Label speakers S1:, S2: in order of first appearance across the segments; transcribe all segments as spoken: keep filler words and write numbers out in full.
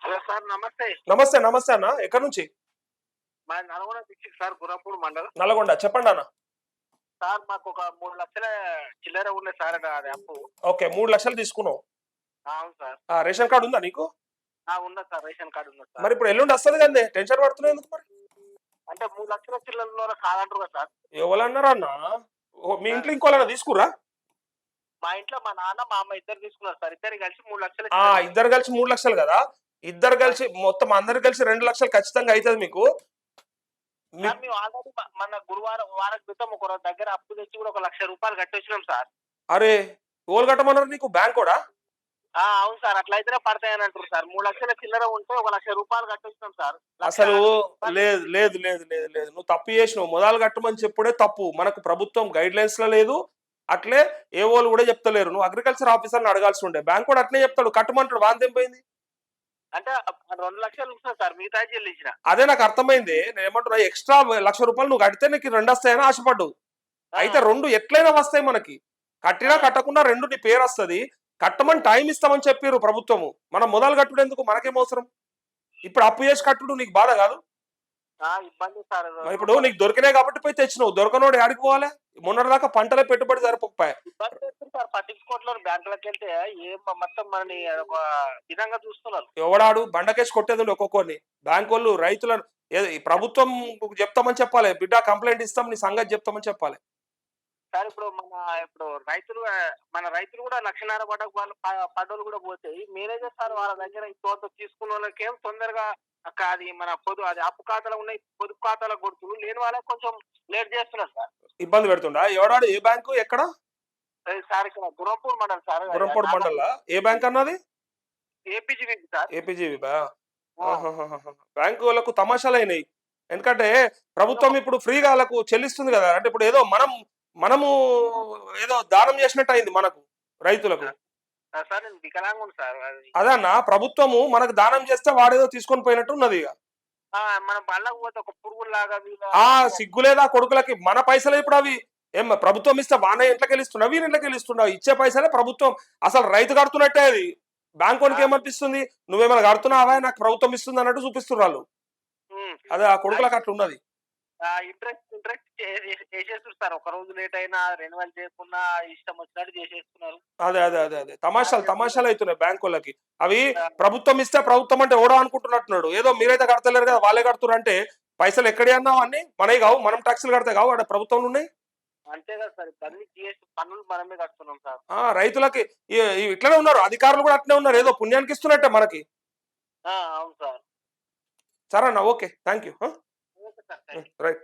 S1: Hello sir, నమస్తే.
S2: నమస్తే నమస్తే అన్న, ఎక్కడి నుంచి?
S1: మా నల్గొండ డిస్ట్రిక్ట్ సార్, గుర్రంపూడి మండలం.
S2: నల్గొండ, చెప్పండి అన్న.
S1: సార్ మాకు ఒక మూడు లక్షల చిల్లర ఉన్నాయి సార్, అది అప్పు.
S2: ఓకే, మూడు లక్షలు తీసుకున్నావు.
S1: ఆ, అవును సార్.
S2: ఆ, రేషన్ కార్డు ఉందా నీకు?
S1: ఆ, ఉన్నది సార్, రేషన్ కార్డు ఉన్నది సార్.
S2: మరి ఇప్పుడు ఎల్లుండి వస్తుంది కదండి, టెన్షన్ పడుతున్నావు ఎందుకు మరి?
S1: అంటే మూడు లక్షల చిల్లర కాదంటారు కదా సార్.
S2: ఎవరన్నారా అన్న? ఓ, మీ
S1: ఆ,
S2: ఇంట్లో ఇంకోళ్ళన్నా తీసుకురా?
S1: మా ఇంట్లో మా నాన్న మా అమ్మ ఇద్దరు తీసుకున్నారు సార్, ఇద్దరు కలిసి మూడు లక్షల
S2: ఆ,
S1: చిల్లర.
S2: ఇద్దరు కలిసి మూడు లక్షలు కదా. ఇద్దరు
S1: ఆ,
S2: కలిసి మొత్తం అందరు కలిసి రెండు లక్షలు ఖచ్చితంగా అవుతుంది మీకు. మీ
S1: సార్ మేము ఆల్రెడీ మన గురువారం వారం క్రితం ఒక రోజు దగ్గర అప్పు తెచ్చి కూడా ఒక లక్ష రూపాయలు కట్టొచ్చినాం సార్.
S2: అరే, ఓలు కట్టమన్నారు నీకు బ్యాంక్ కూడా?
S1: ఆ, అవును సార్, అట్లయితేనే పడతాయని అంటారు సార్. మూడు లక్షల చిల్లర ఉంటే ఒక లక్ష రూపాయలు కట్టొచ్చినాం సార్. లక్ష
S2: అసలు
S1: అరవై రూపాయలు
S2: లేదు లేదు లేదు లేదు లేదు నువ్వు తప్పు చేసినావు. మొదలు కట్టమని చెప్పుడే తప్పు. మనకు ప్రభుత్వం గైడ్ లైన్స్ లో లేదు, అట్లే ఏ వాళ్ళు కూడా చెప్తలేరు. నువ్వు అగ్రికల్చర్ ఆఫీసర్ని అడగాల్సి ఉండే. బ్యాంక్ కూడా అట్లే చెప్తాడు, కట్టమంటాడు. వాంతి పోయింది.
S1: అంటే రెండు లక్షలు ఉంటుంది సార్, మిగతా చెల్లించిన.
S2: అదే నాకు అర్థమైంది. నేను ఏమంటున్నా, ఎక్స్ట్రా లక్ష రూపాయలు నువ్వు కడితే నీకు రెండు వస్తాయని ఆశపడ్డు. అయితే రెండు ఎట్లయినా వస్తాయి మనకి. కట్టినా కట్టకుండా రెండు నీ పేరు వస్తుంది. కట్టమని టైం ఇస్తామని చెప్పారు ప్రభుత్వము. మనం మొదలు కట్టుడు ఎందుకు? మనకేం అవసరం? ఇప్పుడు అప్పు చేసి కట్టుడు నీకు బాధ కాదు?
S1: ఇబ్బంది సార్.
S2: ఇప్పుడు నీకు దొరికినాయి కాబట్టి పోయి తెచ్చినావు. దొరకనోడు ఆడికి పోవాలి. మొన్నటిదాకా పంటలే పెట్టుబడి సరిపోయి
S1: ఇబ్బంది చేస్తుంది సార్, పట్టించుకోవట్లేదు. బ్యాంకులకు వెళ్తే ఏం మొత్తం మనని ఒక విధంగా చూస్తున్నారు.
S2: ఎవడాడు బండకేసి కొట్టేది ఒక్కొక్కరిని. బ్యాంక్ వాళ్ళు రైతులను ప్రభుత్వం చెప్తామని చెప్పాలి. బిడ్డ కంప్లైంట్ ఇస్తాం, నీ సంగతి చెప్తామని చెప్పాలి
S1: సార్. ఇప్పుడు మన ఇప్పుడు రైతులు మన రైతులు కూడా లక్షన్నర పడ్డ వాళ్ళు పడ్డోళ్ళు కూడా పోతే మేనేజర్ సార్ వాళ్ళ దగ్గర ఇంత తీసుకున్న వాళ్ళకి ఏం తొందరగా అది మన పొదు అది అప్పు ఖాతాలో ఉన్నాయి, పొదుపు ఖాతాలో కొడుతున్నారు. లేని వాళ్ళకి కొంచెం లేట్ చేస్తున్నారు సార్.
S2: ఇబ్బంది పెడుతుండా? ఎవడాడు? ఏ బ్యాంకు? ఎక్కడ
S1: సార్? ఇక్కడ గుర్రంపూడి మండలం సార్.
S2: గుర్రంపూడి మండల ఏ బ్యాంక్ అన్నది?
S1: APGB sir.
S2: ఏపీజీబీ బ్యాంకు వాళ్ళకు తమాషాలు అయినాయి. ఎందుకంటే ప్రభుత్వం ఇప్పుడు ఫ్రీగా వాళ్ళకు చెల్లిస్తుంది కదా. అంటే ఇప్పుడు ఏదో మనం మనము ఏదో దానం చేసినట్టు అయింది మనకు, రైతులకు. అదన్నా, ప్రభుత్వము మనకు దానం చేస్తే వాడేదో తీసుకొని పోయినట్టు ఉన్నది. ఇక ఆ సిగ్గులేదా కొడుకులకి? మన పైసలే ఇప్పుడు అవి. ఏం ప్రభుత్వం ఇస్తే వాన ఇంట్లోకి వెళ్ళిస్తున్నావు, వీరి ఇంట్లోకి వెళ్ళిస్తున్నావు. ఇచ్చే పైసలే ప్రభుత్వం. అసలు రైతు కడుతున్నట్టే అది. బ్యాంక్ వానికి ఏమనిపిస్తుంది? నువ్వేమైనా కడుతున్నావా, నాకు ప్రభుత్వం ఇస్తుంది అన్నట్టు చూపిస్తున్నారు. అదే ఆ కొడుకులకు అట్లా ఉన్నది.
S1: ఇంట్రెస్ట్ ఇంట్రెస్ట్ చేసేస్తారు సార్. ఒక రోజు లేట్ అయినా రెన్యువల్ చేయకుండా ఇష్టం వచ్చినట్టు చేసేస్తున్నారు.
S2: అదే అదే అదే అదే తమాషాలు తమాషాలు అవుతున్నాయి బ్యాంక్ వాళ్ళకి. అవి ప్రభుత్వం ఇస్తే ప్రభుత్వం అంటే ఓడో అనుకుంటున్నట్టున్నాడు. ఏదో మీరైతే కడతలేరు కదా, వాళ్ళే కడుతున్నారు అంటే పైసలు ఎక్కడే అన్నావు? అన్ని మనవి కావు, మనం ట్యాక్సులు కడితే కావు, అక్కడ ప్రభుత్వంలో ఉన్నాయి.
S1: అంతే కదా సార్, అన్ని జిఎస్టీ పన్నులు మనమే కడుతున్నాం సార్.
S2: రైతులకి ఇట్లనే ఉన్నారు, అధికారులు కూడా అట్లనే ఉన్నారు. ఏదో పుణ్యానికి ఇస్తున్నట్టే మనకి.
S1: అవును సార్.
S2: సరే అన్న, okay, thank you. Right.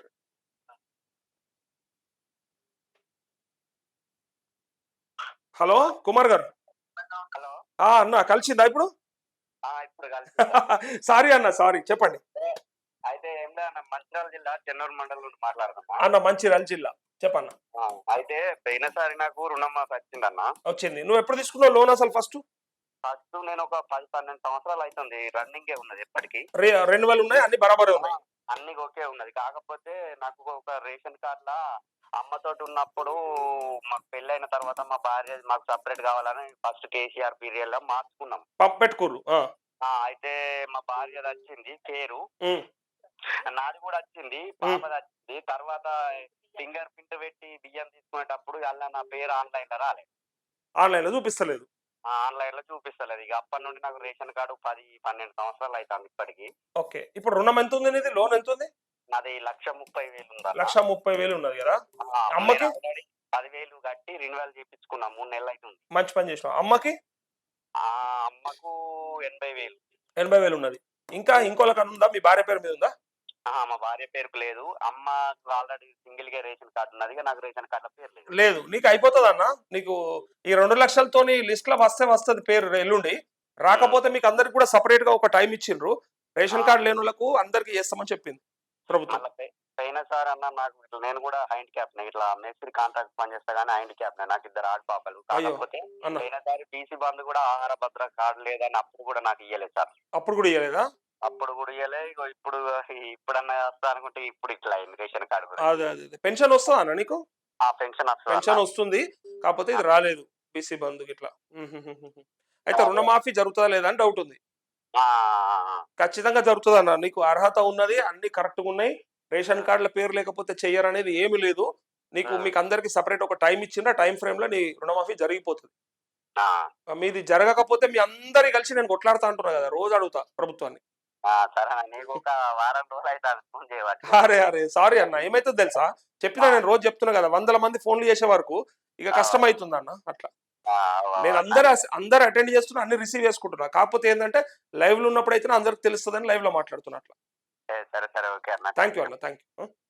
S2: Hello Kumar గారు.
S1: హలో
S2: అన్న, కలిసిందా ఇప్పుడు?
S1: ఇప్పుడు
S2: సారీ అన్న, సారీ, చెప్పండి.
S1: అయితే ఏం లేదు, మంచిర్యాల జిల్లా చెన్నూరు మండలం నుండి మాట్లాడుతున్నా
S2: అన్న. మంచిర్యాల జిల్లా, చెప్పన్న.
S1: అయితే పోయినసారి నాకు రుణం మాకు వచ్చిందన్న.
S2: వచ్చింది. నువ్వు ఎప్పుడు తీసుకున్నావు లోన్ అసలు? ఫస్ట్
S1: ఫస్ట్ నేను ఒక పది పన్నెండు సంవత్సరాలు అవుతుంది, రన్నింగ్ ఉన్నది. ఎప్పటికీ
S2: రెండు వేలు ఉన్నాయి, అన్ని బరాబరే ఉన్నాయి,
S1: అన్ని ఓకే ఉన్నది. కాకపోతే నాకు ఒక రేషన్ కార్డ్ లా అమ్మతోటి ఉన్నప్పుడు మాకు పెళ్లి అయిన తర్వాత మా భార్య మాకు సపరేట్ కావాలని ఫస్ట్ కేసీఆర్ పీరియడ్ లో మార్చుకున్నాం,
S2: పెట్టుకోరు.
S1: అయితే మా భార్యది వచ్చింది పేరు, నాది కూడా వచ్చింది, పాపది వచ్చింది. తర్వాత ఫింగర్ ప్రింట్ పెట్టి బియ్యం తీసుకునేటప్పుడు అలా నా పేరు ఆన్లైన్ లో రాలేదు.
S2: ఆన్లైన్ లో చూపిస్తలేదు?
S1: ఆన్లైన్ లో చూపిస్తలేదు. ఇక అప్పటి నుండి నాకు రేషన్ కార్డు పది పన్నెండు సంవత్సరాలు అవుతుంది ఇప్పటికి.
S2: ఓకే, ఇప్పుడు రుణం ఎంత ఉంది నీది? లోన్ ఎంత ఉంది?
S1: నాది లక్ష ముప్పై వేలు ఉంది.
S2: లక్ష ముప్పై వేలు ఉన్నది కదా. అమ్మకి
S1: పదివేలు కట్టి రెన్యువల్ చేయించుకున్నా, మూడు నెలలు అవుతుంది.
S2: మంచి పని చేసినావు. అమ్మకి?
S1: ఆ అమ్మకు ఎనభై వేలు
S2: ఎనభై వేలు ఉన్నది. ఇంకా ఇంకోళ్ళకన్నా ఉందా? మీ భార్య పేరు మీద ఉందా?
S1: మా భార్య పేరుకు లేదు. అమ్మ ఆల్రెడీ సింగిల్ గా రేషన్ కార్డు ఉన్నది, నాకు రేషన్ కార్డు పేరు లేదు.
S2: లేదు, నీకు అయిపోతుంది అన్న. నీకు ఈ రెండు లక్షలతోని లిస్ట్ లో వస్తే వస్తుంది పేరు ఎల్లుండి. రాకపోతే మీకు అందరికి కూడా సపరేట్ గా ఒక టైం ఇచ్చిండ్రు. రేషన్ కార్డు లేని వాళ్ళకు అందరికి చేస్తామని చెప్పింది ప్రభుత్వం.
S1: అయినా సార్ అన్న, నాకు నేను కూడా హ్యాండ్ క్యాప్ ఇట్లా మేస్త్రి కాంట్రాక్ట్ పని చేస్తా గానీ హ్యాండ్ క్యాప్ నాకు ఇద్దరు ఆడ పాపలు. కాకపోతే పోయినసారి టీసీ బంధు కూడా ఆహార భద్ర కార్డు లేదని అప్పుడు కూడా నాకు ఇయ్యలేదు సార్.
S2: అప్పుడు కూడా ఇయ్యలేదా?
S1: అప్పుడు కూడా ఇయ్యలే. ఇప్పుడు ఇప్పుడన్నా వస్తా అనుకుంటే ఇప్పుడు ఇట్లా రేషన్ కార్డు.
S2: అదే అదే పెన్షన్ వస్తుందా అన్న నీకు?
S1: ఆ పెన్షన్
S2: పెన్షన్ వస్తుంది, కాకపోతే ఇది రాలేదు బీసీ బంధు ఇట్లా. అయితే రుణమాఫీ జరుగుతుందా లేదా అని డౌట్ ఉంది.
S3: ఆ, ఆ, ఆ.
S2: ఖచ్చితంగా జరుగుతుంది అన్న. నీకు అర్హత ఉన్నది, అన్ని కరెక్ట్గా ఉన్నాయి. రేషన్ కార్డుల పేరు లేకపోతే చెయ్యరు అనేది ఏమీ లేదు. నీకు
S3: ఉమ్,
S2: మీకు అందరికి సపరేట్ ఒక టైం ఇచ్చిండ్రు. ఆ టైం ఫ్రేమ్ లో నీ రుణమాఫీ జరిగిపోతుంది.
S3: ఆ,
S2: ఆ, మీది జరగకపోతే మీ అందరి కలిసి నేను కొట్లాడుతా అంటున్నా కదా, రోజు అడుగుతా ప్రభుత్వాన్ని.
S3: ఆ, సరే అన్న, నీకు ఒక వారం రోజులు అయితే అది ఫోన్ చేయవచ్చు.
S2: అరే అరే సారీ అన్న, ఏమైతుంది తెలుసా, చెప్పినా నేను రోజు చెప్తున్నా కదా, వందల మంది ఫోన్లు చేసే వరకు ఇక కష్టం అవుతుంది అన్న. అట్లా
S3: ఆ,
S2: నేను అందరు అందరు అటెండ్ చేస్తున్నా, అన్ని రిసీవ్ చేసుకుంటున్నా. కాకపోతే ఏంటంటే లైవ్ లో ఉన్నప్పుడు అయితే అందరికి తెలుస్తుందని లైవ్ లో మాట్లాడుతున్నా. అట్లా
S3: సరే సరే ఓకే అన్న.
S2: థ్యాంక్ యూ అన్న, థ్యాంక్ యూ.